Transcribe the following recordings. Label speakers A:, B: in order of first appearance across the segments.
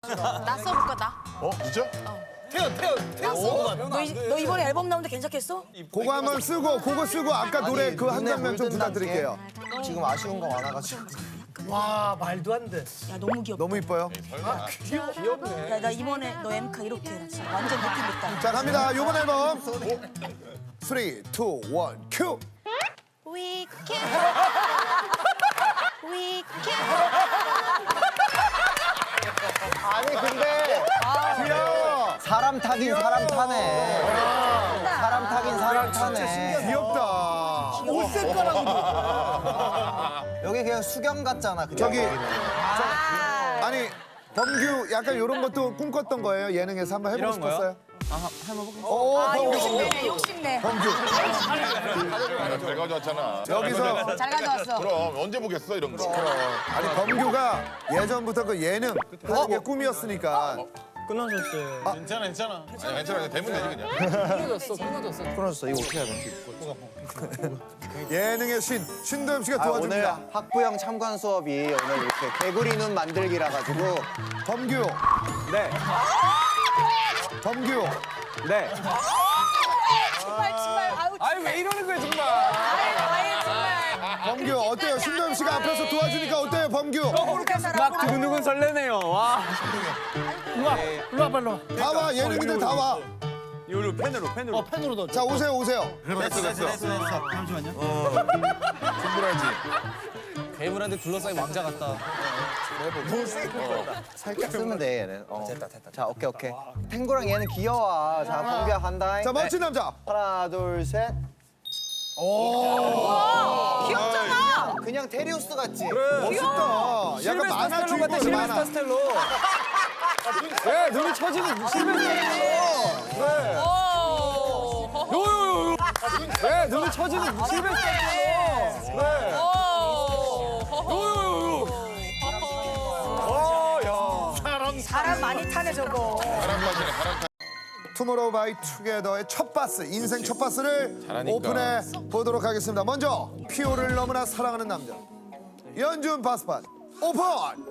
A: 나 써볼까 나?
B: 진짜?
A: 너 이번에 앨범 나오는데 괜찮겠어?
C: 그거 한번 쓰고 그거 쓰고 아까 노래 그 한 장면 좀 부탁드릴게요.
D: 지금 아쉬운 거 많아가지고.
E: 와 말도 안 돼.
A: 야 너무 귀엽다.
C: 너무 이뻐요.
E: 귀엽네.
A: 야 나 이번에 너 엠카 이렇게 해라. 진짜 완전 느낌 있다.
C: 자 갑니다. 요번 앨범 3, 2, 1, 큐.
A: We can. We can.
D: 아니 근데
C: 귀여워.
D: 사람 타긴 사람 타네. 사람 타긴 사람 타네.
C: 귀엽다.
E: 옷 색깔하고.
D: 여기 그냥 수경 같잖아. 그냥.
C: 저기 아니 범규 약간 이런 것도 꿈꿨던 거예요? 예능에서 한번 해보고 싶었어요? 오 범규
A: 욕심내 욕심내.
C: 범규
B: 잘 가져왔잖아.
C: 여기서
A: 잘 가져왔어.
B: 그럼 언제 보겠어 이런 거.
C: 아니 범규가 예전부터 그 예능 하는 게 꿈이었으니까
F: 끊어졌어요.
B: 괜찮아 괜찮아. 아니 괜찮아 되면 되지 그냥.
D: 끊어졌어. 이거 어떻게 해야 돼?
C: 예능의 신도엽 씨가
D: 오늘
C: 도와줍니다.
D: 학부형 참관 수업이 오늘 이렇게 개구리 눈 만들기라 가지고
C: 범규
F: 네.
C: 범규
F: 네.
A: 정말 아우
F: 아니 왜 이러는 거야 정말.
A: 아유 정말.
C: 범규 어때요? 신도엽 씨가 앞에서 도와주니까 어때요 범규?
F: 막 두근두근 설레네요. 와.
E: 일로 와봐 일로 와.
C: 다 와 예능인들 다 와.
F: 이걸로 펜으로.
E: 펜으로 넣어.
C: 자 오세요 오세요.
B: 됐어. 충분하지.
F: 괴물한테 둘러싸인 왕자 같다.
D: 살짝 쓰면 돼 얘는. 됐다. 자 오케이. 탱고랑 얘는 귀여워. 자 범규야 간다.
C: 자 멋진 남자.
D: 하나 둘 셋.
A: 귀엽잖아.
D: 그냥 테리우스 같지?
C: 멋있다. 약간 만화 주인공 만화.
F: 스텔로. 왜 눈이 처지는 실베스텔로. 그래. 요요요. 왜 눈이 처지는 실베스텔로. 그래. 요요요.
A: 사람 많이 타네 저거.
B: 바람 빠지네 바람.
C: 투모로우 바이 투게더의 첫 바스, 인생 첫 바스를
B: 잘하니까.
C: 오픈해 보도록 하겠습니다. 먼저 피오를 너무나 사랑하는 남자 연준 바스판 오픈!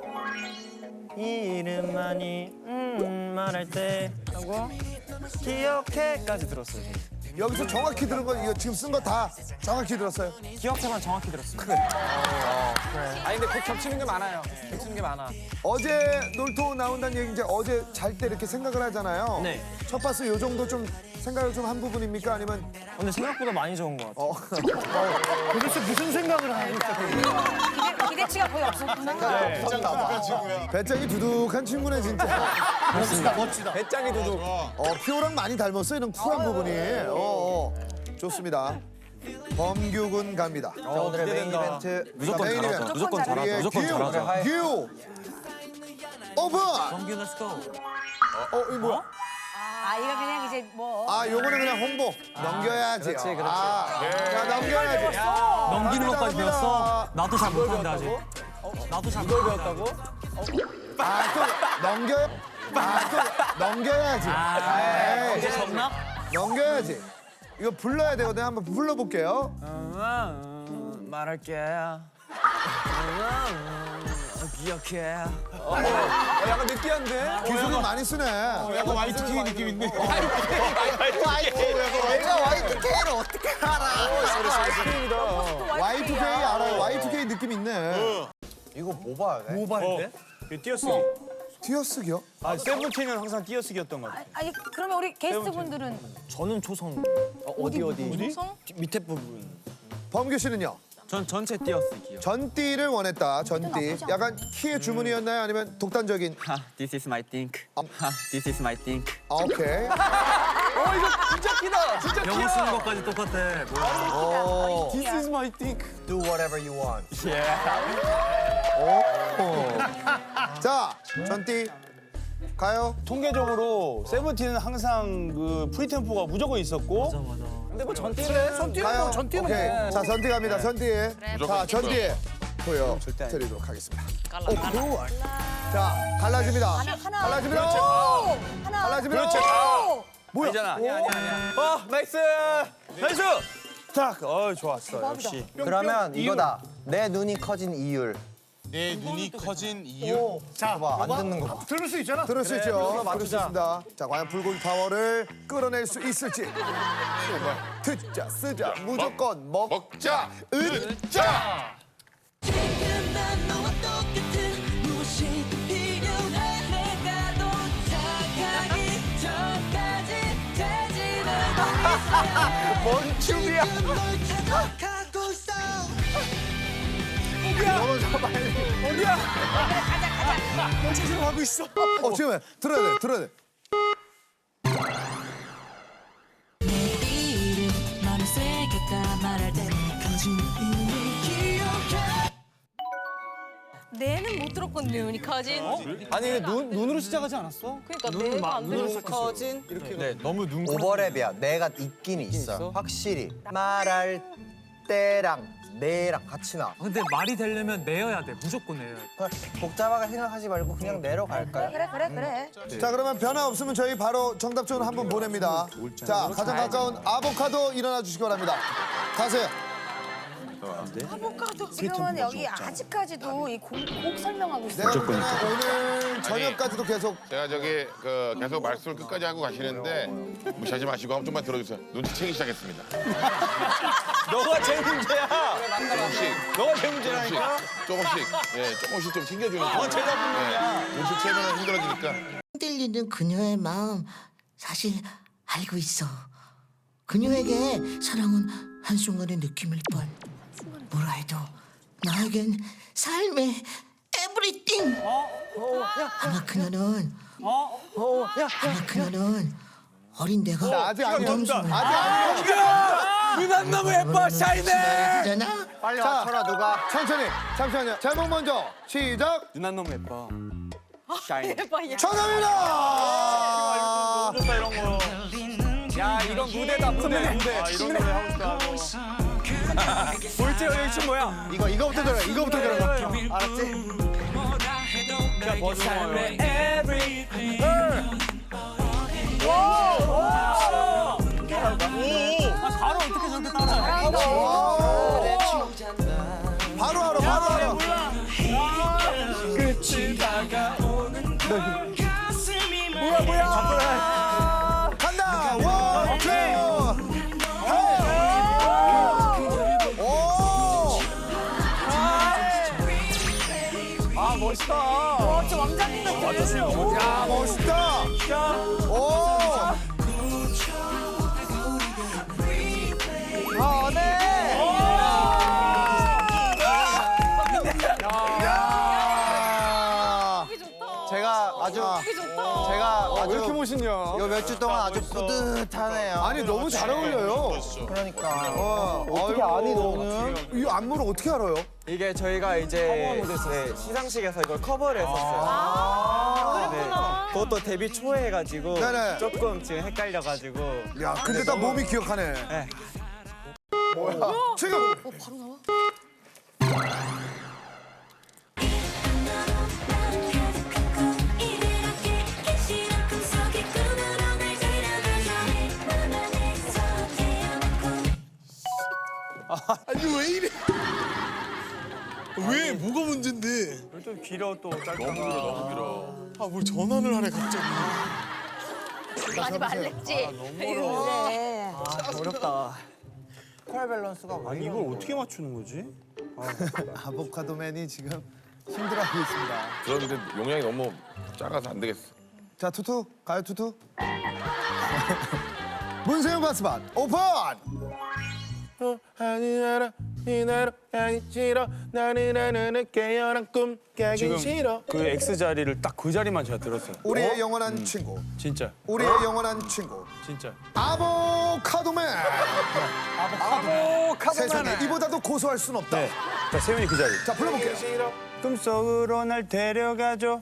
F: 이름만이 말할 때 하고 기억해까지 들었어요.
C: 여기서 정확히 들은 거 이거 지금 쓴 거 다 정확히 들었어요?
F: 기억해만 정확히 들었어요. 그래. 아니 근데 그 겹치는 게 많아요. 겹치는 게 많아.
C: 어제 놀토 나온다는 얘기 이제 어제 잘 때 이렇게 생각을 하잖아요.
F: 네.
C: 첫 바스 요 정도 좀 생각을 좀 한 부분입니까? 아니면
F: 근데 생각보다 많이 좋은 것 같아요.
E: 도대체 무슨 생각을 하고 있어?
A: 기대치가 거의 없었구나.
C: 배짱이 두둑한 친구네 진짜.
E: 멋지다.
F: 배짱이 도둑.
C: 피오랑 많이 닮았어 이런 쿨한 부분이. 좋습니다. 범규군 갑니다.
D: 자 오늘의 메인
F: 기대된다.
D: 이벤트.
F: 무조건
C: 메인
F: 잘하자.
C: 이벤트.
F: 무조건 잘하자.
C: 우리의
F: 무조건 잘하자.
C: 규 오픈!
F: 범규 렛츠 고.
C: 이거 뭐야?
A: 아 이거 그냥 이제 뭐.
C: 아, 요거는 그냥 홍보. 넘겨야지.
D: 그렇지.
C: 자, 넘겨야지.
F: 넘기는 것까지
C: 갑니다.
F: 배웠어? 나도 잘 못하는데 아직. 나도 잘 못하는데. 배웠다고?
C: 또 넘겨야지.
F: 이제 접나?
C: 넘겨야지. 이거 불러야 되거든요. 한번 불러볼게요.
F: 말할게. 기억해. 약간 느끼한데?
C: 기술을 많이 쓰네.
B: 약간 Y2K 느낌 있네.
D: 내가 Y2K를 어떻게 알아?
C: Y2K 알아요. Y2K 느낌 있네.
D: 이거 뭐 봐야 돼?
E: 뭐 봐야 돼?
F: 띄어쓰기.
C: 띄어쓰기요?
F: 아, 세븐틴은 항상 띄어쓰기였던 것 같아요.
A: 아니 그러면 우리 게스트분들은
F: 저는 초성.
D: 어디?
A: 성?
F: 밑에 부분.
C: 범규 씨는요?
F: 전 전체 띄어쓰기요.
C: 전띠를 원했다. 전띠.
A: 나쁘지 않아.
C: 약간 키의 주문이었나요? 아니면 독단적인?
F: This is my think. This is my think.
C: 오케이.
F: 진짜 키다. 진짜 키야. 영어 쓰는 것까지 똑같아. This is my think.
D: Do whatever you want.
C: 자, 전띠 가요.
G: 통계적으로 세븐틴은 항상 그 프리템포가 무조건 있었고
F: 근데 뭐 전띠래.
C: 가요.
E: 전띠는
C: 오케이.
E: 뭐.
C: 자, 전띠 갑니다. 전띠. 자, 전띠 보여
G: 절대 아니야.
C: 드리도록 하겠습니다. 자, 갈라집니다.
A: 하나.
C: 갈라집니다.
A: 하나.
C: 갈라집니다. 뭐야?
F: 아니잖아. 아니야. 나이스. 나이스.
G: 딱 좋았어 역시
D: 그러면 이거다. 내 눈이 커진 이율.
B: 내 눈이 커진 이유.
D: 봐봐, 안 듣는 거 봐.
E: 들을 수 있잖아.
C: 들을 수 있죠. 들을 수 있습니다. 자, 과연 불고기 파워를 끌어낼 수 있을지. 듣자, 쓰자, 무조건
B: 먹자, 으자.
H: 지금 난 너와 똑같은 무엇이 필요해 내가 도착하기 전까지 되지는 않겠어
D: 뭔 춤이야?
H: 지금 널 찾아가고 있어
C: 지금 들어야 돼, 들어야 돼.
H: 내 이름 마음에 새겼다 말할 때 커진 눈이 기억해
I: 내는 못 들었건 눈이 커진.
F: 아니 근데 눈으로 시작하지 않았어?
I: 그러니까 내가 안 들었어.
F: 커진 이렇게. 네, 너무 눈.
D: 오버랩이야. 내가 있긴 있어. 확실히 말할 때랑 내랑 같이 나.
F: 근데 말이 되려면 내어야 돼. 무조건 내어야 돼.
D: 복잡하게 생각하지 말고 그냥 내려갈까요?
A: 그래.
C: 자, 그러면 변화 없으면 저희 바로 정답전으로 한 분 보냅니다. 자, 가장 가까운 아보카도 일어나 주시기 바랍니다. 가세요.
A: 지금은 여기 아직까지도 이 곡 설명하고 있어요.
C: 내가 볼 때는 오늘 저녁까지도 계속
B: 제가 저기 계속 말씀을 끝까지 하고 가시는데 무시하지 마시고 한번 좀만 들어주세요. 눈치채기 시작했습니다.
F: 너가 제일 문제야.
B: 조금씩.
F: 너가 제일 문제라니까.
B: 조금씩 좀 챙겨주는.
F: 제가 문제야.
B: 눈치채면 힘들어지니까.
J: 흔들리는 그녀의 마음 사실 알고 있어. 그녀에게 사랑은 한순간의 느낌일 뿐 뭐라 해도 나에겐 삶의 에브리띵. 아마 그녀는 어린 내가
C: 아직 아니야.
J: 부담스러워.
C: 아직 아니야.
F: 누난 너무 예뻐 샤이네.
J: 잖아.
D: 빨리 맞춰라 누가.
C: 천천히. 잠시만요. 제목 먼저 시작.
F: 누난 너무 예뻐. 샤이네.
C: 정답입니다.
F: 좋다 이런 거. 야 이런 무대다 무대. 이런 노래 하고 싶다. 볼지 여기 춤 뭐야?
C: 이거부터 들어. 이거부터 들어.
D: 알았지?
F: 자 버스의 everything. 바로 어떻게 저렇게 따라해?
C: 바로 알아.
F: 끝이 다가오는 뭐야?
C: 간다. 원, 투.
F: 아 멋있다.
I: 와, 진짜 왕자님 같아.
C: 야, 멋있다. 오. 야.
D: 제가
F: 왜 이렇게 멋있냐?
D: 요 몇 주 동안 아주 뿌듯하네요.
C: 아니 너무 잘 어울려요.
D: 그러니까.
C: 어떻게 아니 너는? 이 안무를 어떻게 알아요?
K: 이게 저희가 이제 시상식에서 이걸 커버를 했었어요. 네, 그것도 데뷔 초에 해가지고
C: 네네.
K: 조금 지금 헷갈려가지고.
C: 야, 근데 다 몸이 기억하네.
K: 네.
C: 뭐야? 지금
A: 바로 나와?
B: 아니 왜 이래? 왜 뭐가 문제인데?
F: 좀 길어 또 짧다.
B: 너무 길어.
F: 아 뭘 전환을 하래 갑자기.
I: 하지 말랬지.
A: 그래.
K: 어렵다.
D: 콜 밸런스가
G: 아니 이걸 어떻게 맞추는 거지?
C: 아보카도맨이 지금 힘들어하고 있습니다.
B: 그런데 용량이 너무 작아서 안 되겠어.
C: 자, 투투 가요 투투. 문세윤 바스반 오픈.
B: 아니나라 이나라 아니 싫어 나는 깨어난 꿈 깨기
G: 지금
B: 싫어.
G: 그 X 자리를 딱 그 자리만 제가 들었어요.
C: 우리의 영원한 친구.
G: 진짜,
C: 우리의 영원한 친구.
G: 진짜.
C: 아보카도맨. 세상에 이보다도 고소할 순 없다.
G: 네. 자 세윤이 그 자리.
C: 자, 불러볼게요.
G: 꿈속으로 날 데려가줘.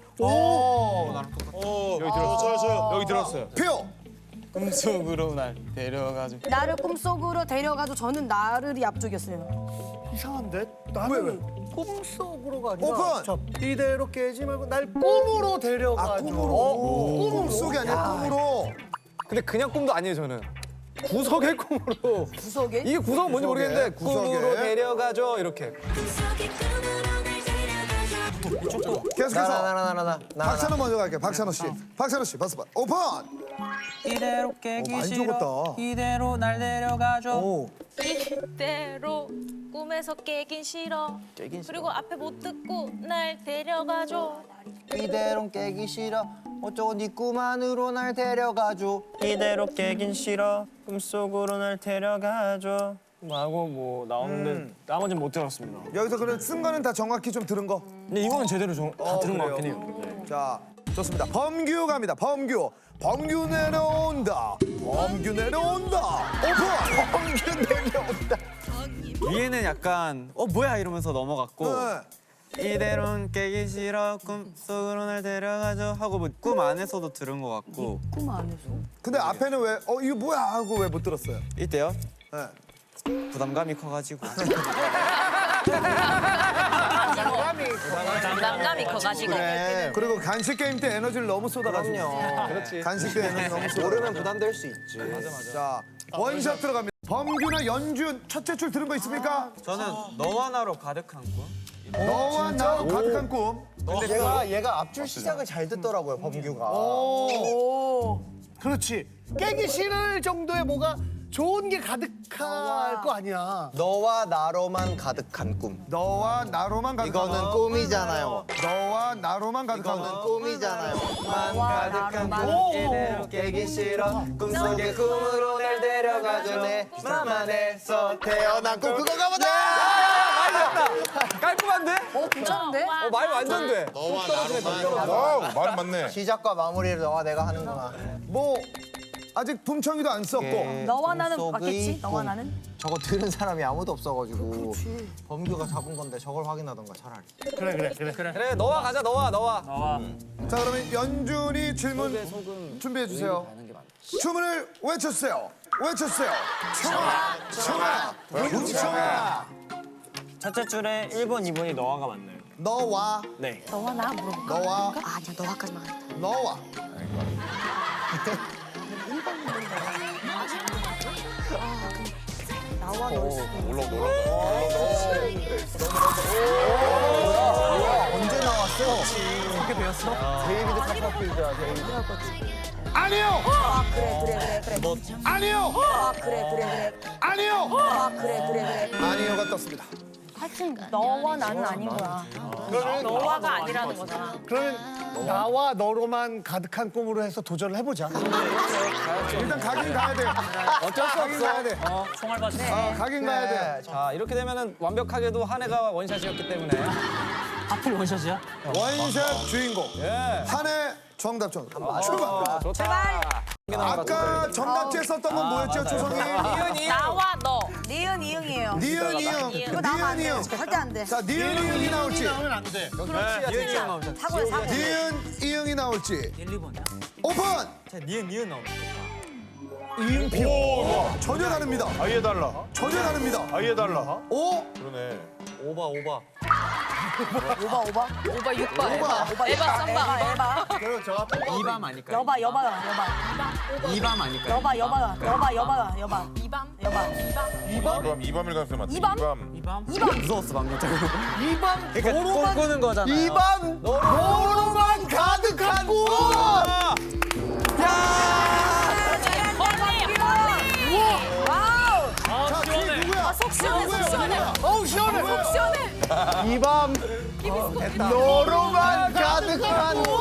G: 여기 들었어요. 여기 들었어요.
C: 표.
K: 꿈속으로 날 데려가줘.
A: 나를 꿈속으로 데려가도 저는 나를이 앞쪽이었어요.
E: 이상한데? 나는 꿈속으로가 아니라
C: 오픈.
E: 저 이대로 깨지 말고 날 꿈으로 데려가줘.
C: 아, 꿈으로. 꿈속이 아니라 꿈으로.
K: 근데 그냥 꿈도 아니에요 저는. 구석의 꿈으로.
A: 구석에?
K: 이게 구석은 뭔지 모르겠는데
C: 구석에.
K: 꿈으로 데려가줘 이렇게.
H: 꿈속의 꿈으로 날 데려가줘
C: 계속해서
D: 나.
C: 박찬호 먼저 갈게요. 박찬호 씨. 박찬호 씨, 버스 오픈.
K: 이대로 깨기
C: 많이
K: 싫어.
C: 적었다.
K: 이대로 날 데려가줘.
I: 이대로 꿈에서 깨긴 싫어. 그리고 앞에 못 듣고 날 데려가줘.
D: 이대로 깨기 싫어. 어쩌고 네 꿈 안으로 날 데려가줘.
K: 이대로 깨긴 싫어. 꿈속으로 날 데려가줘. 하고 뭐 나오는데 나머지는 못 들었습니다.
C: 여기서 그럼 쓴 거는 다 정확히 좀 들은 거?
K: 근데 이거는 제대로 다 들은 것 같긴 해요.
C: 자, 좋습니다. 범규 갑니다. 범규. 범규 내려온다. 범규 내려온다. 오픈. 범규 내려온다.
K: 위에는 약간 뭐야 이러면서 넘어갔고
C: 네.
K: 이대로는 깨기 싫어 꿈속으로 날 데려가줘 하고 뭐 꿈 안에서도 들은 것 같고
C: 근데 앞에는 왜 이거 뭐야 하고 왜 못 들었어요?
K: 이때요?
C: 네.
K: 부담감이 커가지고
I: 부담감이 커가지고.
C: 그리고 간식 게임 때 에너지를 너무 쏟아가지고.
D: 그렇지.
C: 간식 때 에너지 너무 쏟아.
D: 모르면 부담될 수 있지.
C: 자, 원샷 들어갑니다. 범규나 연준 첫째 줄 들은 거 있습니까?
K: 저는 너와 나로 가득한 꿈
C: 너와 나로 가득한 꿈.
D: 근데 얘가 앞줄 시작을 잘 듣더라고요, 범규가.
E: 그렇지. 깨기 싫을 정도의 뭐가 좋은 게 가득할 거 아니야.
D: 너와 나로만 가득한 꿈.
C: 너와 나로만 가득한
D: 이거는 꿈이잖아요.
C: 너와 나로만 가득한
D: 이거는
C: 꿈.
D: 꿈이잖아요. 가득한 꿈 이대로 깨기 싫어. 꿈속의 꿈으로 날 데려가줘. 내 맘안에서 태어난 꿈. 그거 가보자.
K: 깔끔한데?
I: 괜찮은데?
K: 말 완전 돼.
B: 너와 나로만. 말은 맞네.
D: 시작과 마무리를 너와 내가 하는구나.
C: 뭐 아직 붐청이도 안 썼고.
A: 너와 나는
D: 꿈속의
A: 맞겠지? 너와
D: 꿈.
A: 나는?
D: 저거 들은 사람이 아무도 없어가지고 범규가 잡은 건데 저걸 확인하던가 차라리.
K: 그래 너와 가자 너와.
C: 자, 그러면 연준이 질문 준비해 주세요. 주문을 외쳐주세요. 외쳐주세요. 청아, 청아, 청아.
K: 첫째 줄에 1번 2번이 너와가 맞나요?
C: 너와,
K: 네.
A: 너와 나 물어볼까?
C: 너와,
A: 아니야, 너와까지만 하겠다.
C: 너와.
A: 나와 너
B: 올라온다.
D: 언제 나왔어? 어떻게 배웠어? 데이비드 카퍼필드야, 데이비드.
C: 아니요.
A: 아, 그래.
C: 아니요.
A: 아, 그래.
C: 아니요.
A: 아, 그래.
C: 아니요가 떴습니다.
A: 하여튼 너와 나는 아닌 거야.
I: 너와가 아니라는 거잖아.
E: 그러면 나와 너로만 가득한 꿈으로 해서 도전을 해보자.
C: 일단 가긴 가야 돼요.
K: 어쩔 수
C: 가긴 가야
K: 없어.
C: 돼.
K: 총알 받
C: 가긴 가야 돼.
K: 자 이렇게 되면은 완벽하게도 한 해가 원샷이었기 때문에 하필 원샷이야?
C: 원샷 주인공. 한해 정답전 출발.
K: 좋다.
C: 아까 정답지에 썼던 건 뭐였죠, 조성이?
I: 나와 너.
A: 니은 이응이에요.
C: 니은 이응.
A: 이거 나면 안 돼.
C: 니은 이응.
A: 절대 안 돼.
C: 자, 니은 이응이 나올지.
A: 사고야, 사고.
C: 니은 이응이 나올지.
K: 1, 2번이야?
C: 오픈.
K: 자 니은 나오면
C: 이응표. 전혀 다릅니다.
G: 아예 달라.
C: 전혀 다릅니다.
G: 아예 달라.
C: 오.
B: 그러네.
K: 오바.
A: 오바.
I: 오바 6번. 에바 3번.
A: 에바.
D: 그리고 저 앞에
K: 2밤 아닐까요?
A: 여바.
K: 2밤 아닐까요?
A: 여바.
I: 이밤.
B: 이밤일 가능성이 많다.
A: 이밤?
B: 이밤.
K: 무서웠어 방금.
E: 이밤
K: 그러니까 꿈꾸는 거잖아.
E: 이밤 너로만 가득한 꿈.
C: 자, 뒤에 누구야?
I: 속 시원해.
E: 어우 시원해.
I: 속 시원해.
E: 이밤 너로만 가득한 꿈.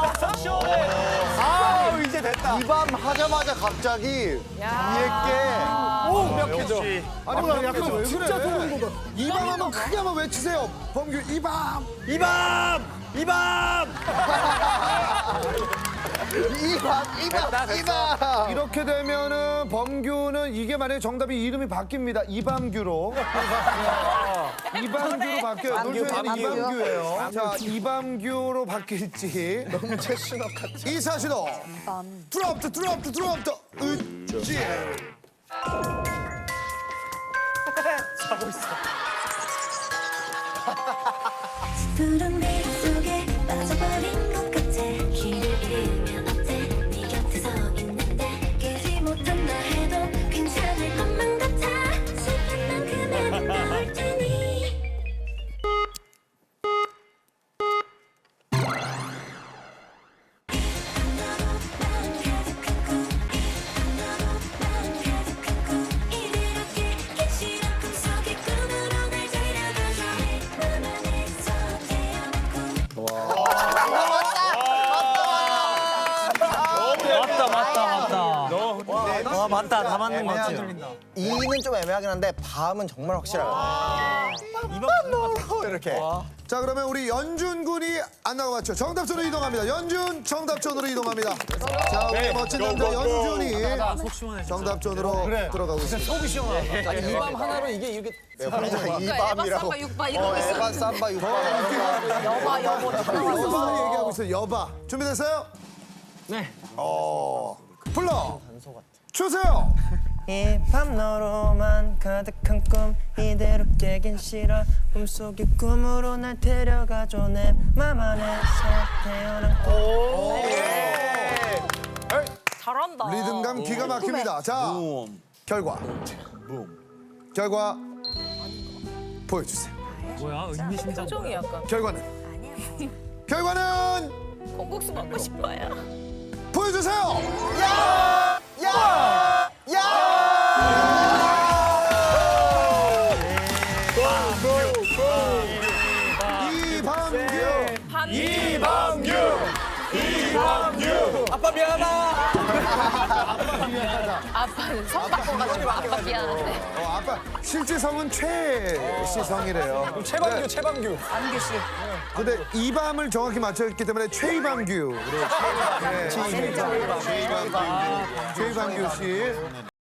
E: 아 이제 됐다.
D: 이밤 하자마자 갑자기 위에
E: 완벽해져.
C: 아니,
E: 나 약간
C: 왜
E: 진짜
C: 그래?
E: 소름 돋아.
C: 이밤 한번 크게 한번 외치세요. 범규 이밤.
K: 이밤.
D: 이밤.
C: 이렇게 되면은 범규는 이게 만약에 정답이 이름이 바뀝니다. 이밤규로. 이밤규로 바뀌어요. 놀토에는 이밤규예요. 자, 이밤규로 바뀔지.
D: 너무 최신업 같아.
C: 이사시도. 드롭트. 으찌.
H: 푸른 빛 속에 빠져버린 것 같아. 길을 잃으면 어때? 네 곁에 서 있는데 깨지 못한다 해도 괜찮을 것만 같아. 슬픈 만큼은 널 테니
F: 맞다. 다 맞는 거 같아.
D: 이는 좀 애매하긴 한데 밤은 정말 확실하거든요. 이렇게.
C: 자 그러면 우리 연준 군이 안 나가봤죠. 정답존으로 이동합니다. 연준 정답존으로 이동합니다. 자 우리 멋진 남자 연준이 정답존으로 들어가고 있습니다.
E: 속이 시원하다.
F: 이밤 하나로 이게 이렇게
D: 이 밤이라고.
I: 육바 이런 거 있어.
D: 에바 삼바 육바.
I: 여바 여보 다 나왔어.
C: 여바 얘기하고 있어요. 여바 준비됐어요? 네. 불러 주세요.
K: 이 밤 너로만 가득한 꿈 이대로 깨긴 싫어 꿈속의 꿈으로 날 데려가줘 내 맘 안에서 태어난
I: 잘한다.
C: 리듬감 기가 막힙니다. 자 결과 보여주세요.
I: 표정이 약간
C: 결과는
I: 콩국수 먹고 싶어요.
C: 보여주세요.
F: 아빠 미안하다.
I: 아빠는 성 바꿔가지고 아빠 미안한데.
C: 아빠 실제 성은 최시성이래요.
F: 최방규 최방규.
A: 안규 씨.
C: 근데 이 밤을 정확히 맞췄기 때문에 최이방규. 최이방규 씨.